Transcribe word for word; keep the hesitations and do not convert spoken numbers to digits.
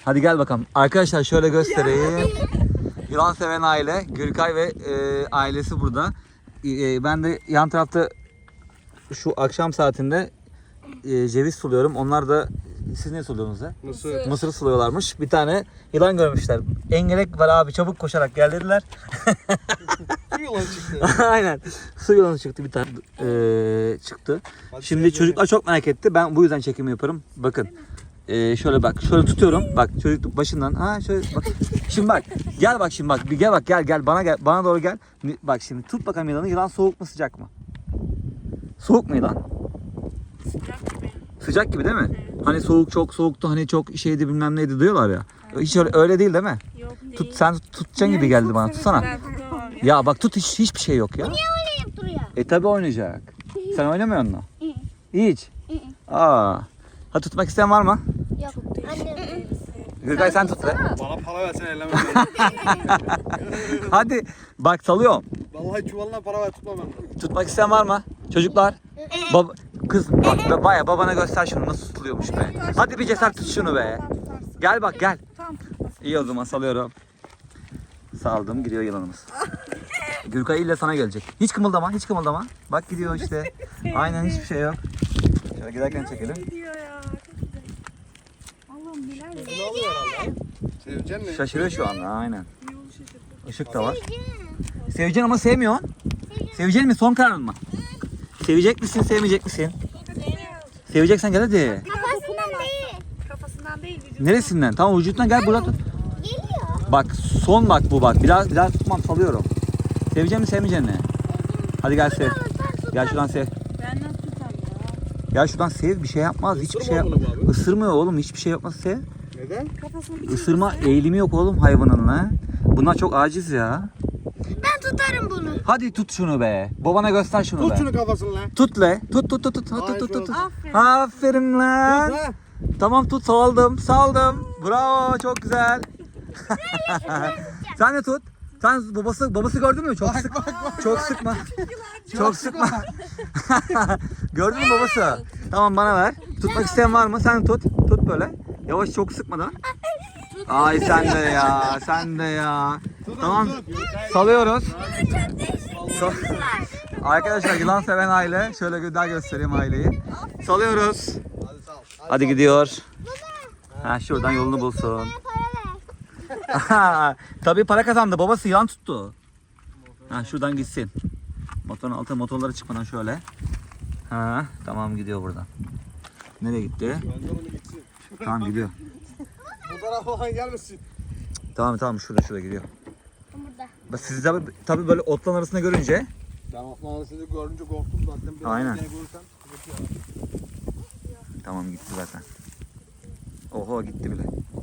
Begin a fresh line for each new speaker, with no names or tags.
Hadi gel bakalım. Arkadaşlar şöyle göstereyim. Yılan seven aile. Gürkay ve e, ailesi burada. E, ben de yan tarafta şu akşam saatinde e, ceviz suluyorum. Onlar da siz ne suluyorsunuz ya?
Mısır.
Mısır suluyorlarmış. Bir tane yılan görmüşler. Engelek var abi, çabuk koşarak gel dediler.
Su yılan çıktı.
Aynen. Su yılanı çıktı bir tane. Ee, çıktı.
Hadi
Şimdi
söyle.
çocuklar çok merak etti. Ben bu yüzden çekim yaparım. Bakın. Ee, şöyle bak. Şöyle tutuyorum. Bak çocuk başından. Ha şöyle bak. Şimdi bak. Gel bak şimdi bak. Bir gel bak gel gel bana gel. Bana doğru gel. Bak şimdi tut bakalım yılanı. Yılan soğuk mu sıcak mı? Soğuk mu yılan?
Sıcak gibi.
Sıcak gibi değil mi? Hani soğuk çok soğuktu. Hani çok şeydi bilmem neydi diyorlar ya. Hiç öyle, öyle değil değil mi?
Yok değil.
Tut sen tutacaksın gibi geldi bana. Tutsana.
Ben tutamam ya.
Ya bak tut hiç hiçbir şey yok ya.
Oynayıp duruyor.
E tabi oynayacak. Sen oynamıyor musun? Hiç. Aa. Ha tutmak isteyen var mı?
Yok. Annem.
Gürkay sen tut be.
Bana para versen elleme.
Hadi. Bak salıyorum.
Vallahi çuvalına para ver tutma ben.
Tutmak isteyen var mı? Çocuklar. Bab Kız bak be, baya babana göster şunu nasıl tutuluyormuş be. Hadi bir cesaret tut şunu be. Gel bak gel. İyi o zaman salıyorum. Saldım, gidiyor yılanımız. Gürkay ile sana gelecek. Hiç kımıldama, hiç kımıldama. Bak gidiyor işte. Aynen hiçbir şey yok. Şöyle giderken çekelim.
Gidiyor ya. Çok güzel. Allah'ım neler yapıyor.
Ne oluyor herhalde? Sevecen mi?
Şaşırıyor şu anda aynen.
Yolu şaşırdı.
Işık da var. Seveceksin ama sevmiyorsun. Sevecek mi? Son kararın mı? Sevecek misin, sevmeyecek misin? Seveceksen gel hadi.
Kafasından değil.
Kafasından değil vücudu.
Neresinden? Tamam vücuttan gel buradan tut.
Geliyor.
Bak son bak bu bak. Biraz biraz tutmam salıyorum. Sevecek mi sevmeyecek mi? Hadi gel sev. Gel şuradan sev.
Ben nasıl tutarım ya?
Gel şuradan sev. Bir şey yapmaz. Hiçbir şey
Isırma
yapmaz.
bunu abi.
Isırmıyor oğlum. Hiçbir şey yapmaz sev.
Neden?
Kafasını bir
Isırma eğilimi yok oğlum hayvanın ha. Bunlar çok aciz ya.
Ben tutarım bunu.
Hadi tut şunu be. Babana göster şunu
Tut
be.
şunu kafasını lan.
Tut le. Tut tut tut tut tut
Hayır,
tut tut. tut.
Aferin.
Aferin lan.
Tut ha.
Tamam tut saldım saldım. Bravo çok güzel. Sen de tut. Sen babası babası gördün mü? Çok sık. Çok sıkma. Çok sıkma. Gördün mü babası? Tamam bana ver. Tutmak isteyen var mı? Sen tut. Tut böyle. Yavaş çok sıkmadan. Ay sen de ya. Sen de ya. Tamam. Salıyoruz. Sal- Arkadaşlar yılan seven aile. Şöyle daha göstereyim aileyi. Salıyoruz.
Hadi sal. Hadi.
Hadi gidiyor. Ha şuradan yolunu bulsun. Tabii para kazandı. Babası yan tuttu. Ha şuradan gitsin. Motorun altına motorlara çıkmadan şöyle. Ha tamam gidiyor buradan. Nereye gitti?
Gönder onu gitsin.
Tamam gidiyor.
Bu tarafa falan gelmesin.
Tamam tamam şurada şurada gidiyor.
Burada.
Bak siz tabii, tabii böyle otların arasında görünce
Ben Osmanlı seni görünce korktum zaten. Biraz
Aynen.
Seni görürsem sıkıntı yok.
tamam gitti zaten. Oho gitti bile.